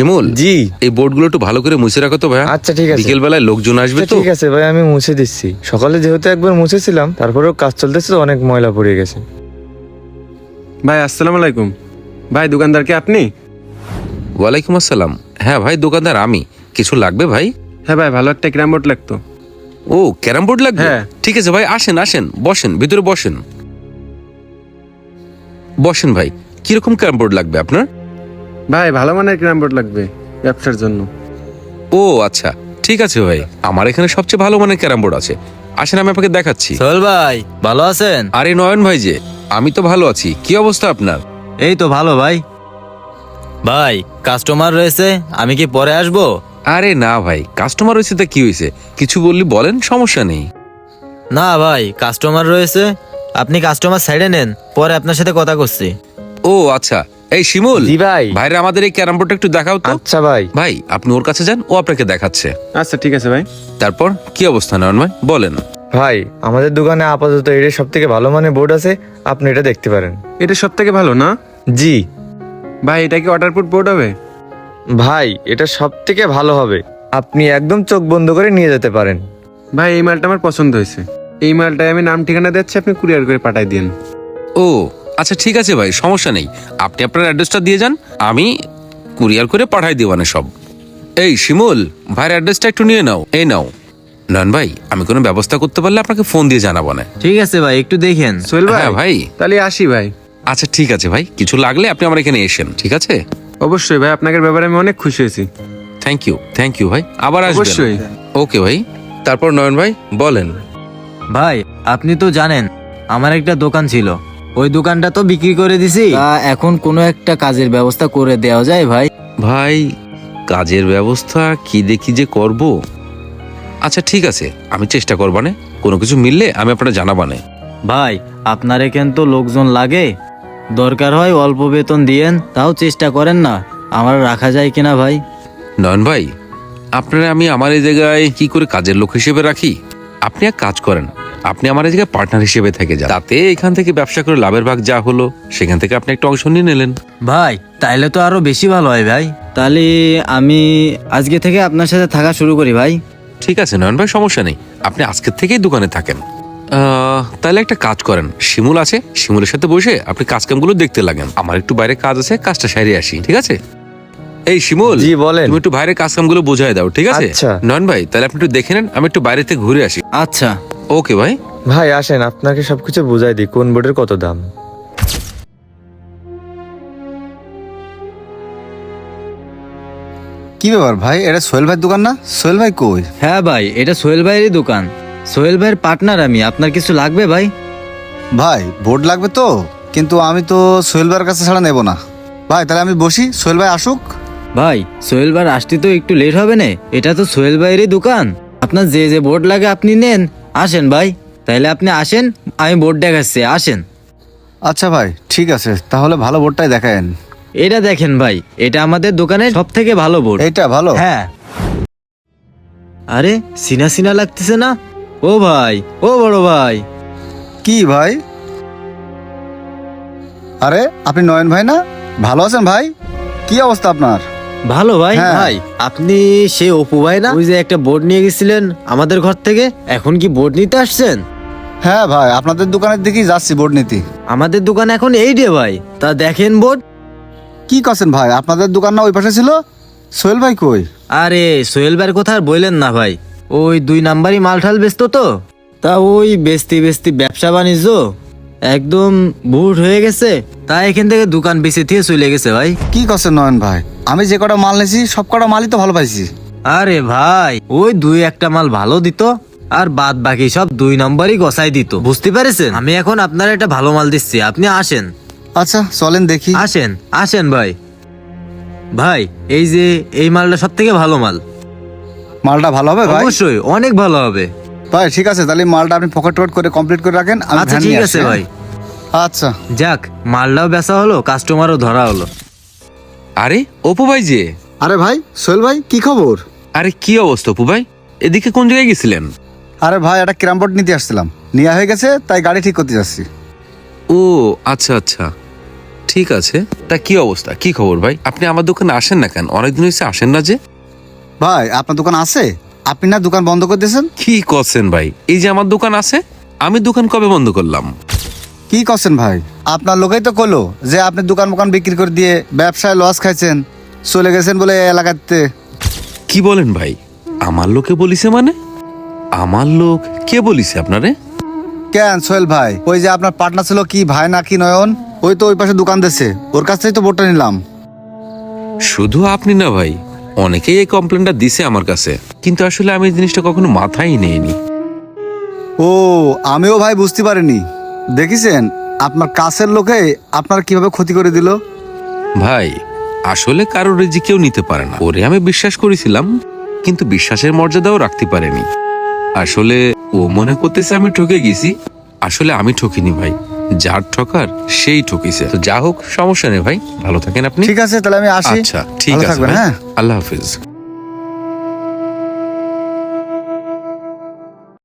শিমুল, জি। এই বোর্ডগুলো একটু ভালো করে মুছে রাখো তো ভাই। আচ্ছা ঠিক আছে। বিকেল বেলায় লোকজন আসবে তো। ঠিক আছে ভাই, আমি মুছে দিচ্ছি। সকালে যেহেতু একবার মুছেছিলাম, তারপরেও কাজ চলতেছে তো অনেক ময়লা পড়ে গেছে। ভাই আসসালামু আলাইকুম। ভাই দোকানদার কি আপনি? ওয়ালাইকুম আসসালাম। হ্যাঁ ভাই, দোকানদার আমি। কিছু লাগবে ভাই? হ্যাঁ ভাই, ভালো একটা ক্যারাম বোর্ড লাগতো। ও, ক্যারাম বোর্ড লাগবে? হ্যাঁ। ঠিক আছে ভাই, আসেন আসেন, বসেন, ভিতরে বসেন। বসেন ভাই। কিরকম ক্যারাম বোর্ড লাগবে আপনার? ভাই ভালো মানের ক্যারাম বোর্ড লাগবে ব্যবসার জন্য। ও আচ্ছা, ঠিক আছে ভাই, আমার এখানে সবচেয়ে ভালো মানের ক্যারাম বোর্ড আছে। আসেন, আমি আপনাকে দেখাচ্ছি। সোহেল ভাই, ভালো আছেন? আরে নয়ন ভাই যে, আমি তো ভালো আছি। কি অবস্থা আপনার? এই তো ভালো ভাই। ভাই কাস্টমার রয়েছে, আমি কি পরে আসবো? আরে না ভাই, কাস্টমার হয়েছে তা কি হয়েছে? কিছু বললি বলেন, সমস্যা নেই। না ভাই, কাস্টমার রয়েছে, আপনি কাস্টমার সাইডে নেন, পরে আপনার সাথে কথা করছি। ও আচ্ছা, এই শিমুল। জি ভাই। ভাইরা আমাদের এই ক্যারাম বোর্ডটা একটু দেখাও তো। আচ্ছা ভাই। ভাই আপনি ওর কাছে যান, ও আপনাকে দেখাচ্ছে। আচ্ছা ঠিক আছে ভাই। তারপর কি অবস্থা নয়ন ভাই, বলেন। ভাই আমাদের দোকানে আপাতত এটা সব থেকে ভালো মানের বোর্ড আছে, আপনি এটা দেখতে পারেন। এটা সব থেকে ভালো না? জি ভাই এটা কি ওয়াটারপ্রুফ বোর্ড হবে? ভাই, এটা সব থেকে ভালো হবে, আপনি একদম চোখ বন্ধ করে নিয়ে যেতে পারেন। ভাই এই মালটা আমার পছন্দ হয়েছে। এই মালটায় আমি নাম ঠিকানা দিচ্ছি, আপনি কুরিয়ার করে পাঠাই দিন। ও আচ্ছা ঠিক আছে ভাই, সমস্যা নেই। আপনি আপনার অ্যাড্রেসটা দিয়ে যান, আমি কুরিয়ার করে পাঠাই দিবানে সব। এই শিমুল, ভাইয়ের অ্যাড্রেসটা একটু নিয়ে নাও। এই নাও। নয়ন ভাই, আমি কোনো ব্যবস্থা করতে পারলে আপনাকে ফোন দিয়ে জানাবো না। ঠিক আছে ভাই, একটু দেখেন। সোহেল ভাই। হ্যাঁ ভাই। তাহলে আসি ভাই। আচ্ছা ঠিক আছে ভাই, কিছু লাগলে আপনি আমার এখানে এসেন, ঠিক আছে? অবশ্যই ভাই, আপনাদের ব্যাপারে আমি অনেক খুশি হয়েছি। থ্যাংক ইউ ভাই, আবার আসবেন। অবশ্যই। ওকে ভাই। তারপর নয়ন ভাই বলেন। ভাই আপনি তো জানেন আমার একটা দোকান ছিল, ওই দোকানটা তো বিক্রি করে দিছি। এখন কোনো একটা কাজের ব্যবস্থা করে দেওয়া যায় ভাই? ভাই কাজের ব্যবস্থা কি দেখি যে করব। আচ্ছা ঠিক আছে, আমি চেষ্টা করবানে, কোনো কিছু মিললে আমি আপনারা জানাবানে। ভাই আপনার এখানে তো লোকজন লাগে, দরকার হয় অল্প বেতন দিয়েন, তাও চেষ্টা করেন না, আমার রাখা যায় কিনা ভাই? নয়ন ভাই, আপনারা আমি আমার এই জায়গায় কি করে কাজের লোক হিসেবে রাখি? আপনি এক কাজ করেন, আপনি আমার এই জায়গায় পার্টনার হিসেবে থেকে যান। তাতে এখান থেকে ব্যবসা করে লাভের ভাগ যা হলো, সেখান থেকে আপনি একটা অংশ নিয়ে নিলেন। ভাই তাইলে তো আরো বেশি ভালো হয় ভাই। তাহলে আমি আজকে থেকে আপনার সাথে থাকা শুরু করি ভাই। ঠিক আছে নয়ন ভাই, সমস্যা নেই, আপনি আজকের থেকেই দোকানে থাকেন। তাহলে একটা কাজ করেন, শিমুল আছে, শিমুলের সাথে বসে আপনি কাজ কামগুলো দেখতে লাগেন। আমার একটু বাইরে কাজ আছে, কাজটা সারিয়ে আসি, ঠিক আছে? এই শিমুল, জি বলেন। তুমি একটু বাইরে কাজ কামগুলো বোঝাই দাও, ঠিক আছে? আচ্ছা। নয়ন ভাই, তাহলে আপনি একটু দেখে নেন, আমি একটু বাইরে থেকে ঘুরে আসি। আচ্ছা। ওকে ভাই। ভাই আসেন, আপনাকে সবকিছু বুঝাই দিই কোন বোর্ডের কত দাম। কি ব্যাপার ভাই, এটা সোহেল ভাইয়ের দোকান না? সোহেল ভাই কই? হ্যাঁ ভাই, এটা সোহেল ভাইয়েরই দোকান, সোহেল ভাইয়ের পার্টনার আমি। আপনার কিছু লাগবে ভাই? ভাই বোর্ড লাগবে তো, কিন্তু আমি তো সোহেল ভাইয়ের কাছে ছাড়া নেব না। ভাই তাহলে আমি বসি, সোহেল ভাই আসুক। ভাই সোহেল ভাই আসতে তো একটু লেট হবে না, এটা তো সোহেল ভাইয়েরই দোকান, আপনার যে যে বোর্ড লাগে আপনি নেন। আসেন ভাই, তাইলে আপনি আসেন, আমি বোর্ড দেখাচ্ছি, আসেন। আচ্ছা ভাই ঠিক আছে, তাহলে ভালো বোর্ডটাই দেখায়েন। এটা দেখেন ভাই, এটা আমাদের দোকানের সব থেকে ভালো বোর্ড। এইটা ভালো? হ্যাঁ। আরে সিনা সিনা লাগতেছে না? ও ভাই, ও বড় ভাই। কি ভাই? আরে আপনি নয়ন ভাই না? ভালো আছেন ভাই? কি অবস্থা আপনার? ভালো ভাই। হ্যাঁ। ভাই আপনি সে অপু ভাই না, ওই যে একটা বোর্ড নিয়ে গেছিলেন আমাদের ঘর থেকে, এখন কি বোর্ড নিতে আসছেন? হ্যাঁ ভাই, আপনাদের দোকানের দিকেই যাচ্ছি বোর্ড নিতে। আমাদের দোকান এখন এই রে ভাই, তা দেখেন বোর্ড। কি করছেন ভাই, আপনাদের দোকান না ওই পাশে ছিল? সোহেল ভাই কই? আরে সোহেল ভাইয়ের কথা আর বললেন না ভাই, ওই 2 নাম্বারই মালঠাল বেচতো তো, তা ওই বেচতে বেচতে ব্যবসা বাণিজ্য একদম বুট হয়ে গেছে, তাই এখান থেকে দোকান বেচে দিয়ে চলে গেছে ভাই। কি করছেন নয়ন ভাই, আমি যে কটা মাল নিয়েছি সব কটা মালই তো ভালো পাইছি। আরে ভাই ওই 2-1টা মাল ভালো দিত, আর বাদ বাকি সব 2 নম্বরই গসাই দিত, বুঝতে পেরেছেন? আমি এখন আপনার একটা ভালো মাল দিচ্ছি, আপনি আসেন। আচ্ছা চলেন দেখি। আসেন আসেন ভাই। ভাই এই যে এই মালটা সব থেকে ভালো মাল। মালটা ভালো হবে ভাই? অবশ্যই অনেক ভালো হবে। ভাই ঠিক আছে, তাহলে মালটা আপনি পকেট টকেট করে কমপ্লিট করে রাখেন, আমি আচ্ছা ভ্যান ঠিক নিয়ে আছে আসছি, ভাই। হ্যাঁ? আচ্ছা। যাক, মালটাও বেচা হলো, কাস্টমারও ধরা হলো। আরে অপু ভাই যে। আরে ভাই সোহেল ভাই, কি খবর? আরে কি অবস্থা অপু ভাই, এদিকে কোন জায়গায় গেছিলেন? আরে ভাই একটা ক্যারাম বোর্ড নিতে আসছিলাম, নেওয়া হয়ে গেছে, তাই গাড়ি ঠিক করতে যাচ্ছি। ও আচ্ছা আচ্ছা, ঠিক আছে, তা কি অবস্থা, কি খবর ভাই? আপনি আমার দোকানে আসেন না কেন? অনেকদিন হয়েছে আসেন না যে। ভাই আপনার দোকান আছে? আপনি না দোকান বন্ধ করে দিয়েছেন? কি করছেন ভাই? এই যে আমার দোকান আছে, আমি দোকান কবে বন্ধ করলাম? কি করছেন ভাই? আপনার লোকেই তো কলো যে আপনি দোকান মোকান বিক্রি করে দিয়ে ব্যবসায় লস খাইছেন, চলে গেছেন বলে এই এলাকাতে। কি বলেন ভাই? আমার লোকে বলিছে মানে? আমার লোক কে বলিছে আপনারে? কেন সোহেল ভাই, ওই যে আপনার পার্টনার ছিল কি ভাই না কি নয়ন, ওই তো ওই পাশে দোকান দিয়েছে, ওর কাছ থেকেই তো বোর্ডটা নিলাম। শুধু আপনি না ভাই, অনেকেই এই কমপ্লেনটা দিছে আমার কাছে, কিন্তু আসলে আমি এই জিনিসটা কখনো মাথায় নেইনি। ও, আমিও ভাই বুঝতে পারিনি। দেখিছেন আপনার কাছের লোকে আপনার কিভাবে ক্ষতি করে দিল। ভাই আসলে কারোর রেজি কেউ নিতে পারে না, ওরে আমি বিশ্বাস করেছিলাম, কিন্তু বিশ্বাসের মর্যাদাও রাখতে পারেনি। আসলে ও মনে করতেছে আমি ঠকে গেছি, আসলে আমি ঠকিনি ভাই, যার ঠকার সেই ঠকিছে। তো যা হোক, সমস্যা নেই ভাই, ভালো থাকেন আপনি। ঠিক আছে, তাহলে আমি আসি। আচ্ছা ঠিক ভালো আছে থাকবেন, ভাই। হ্যাঁ। আল্লাহ হাফিজ।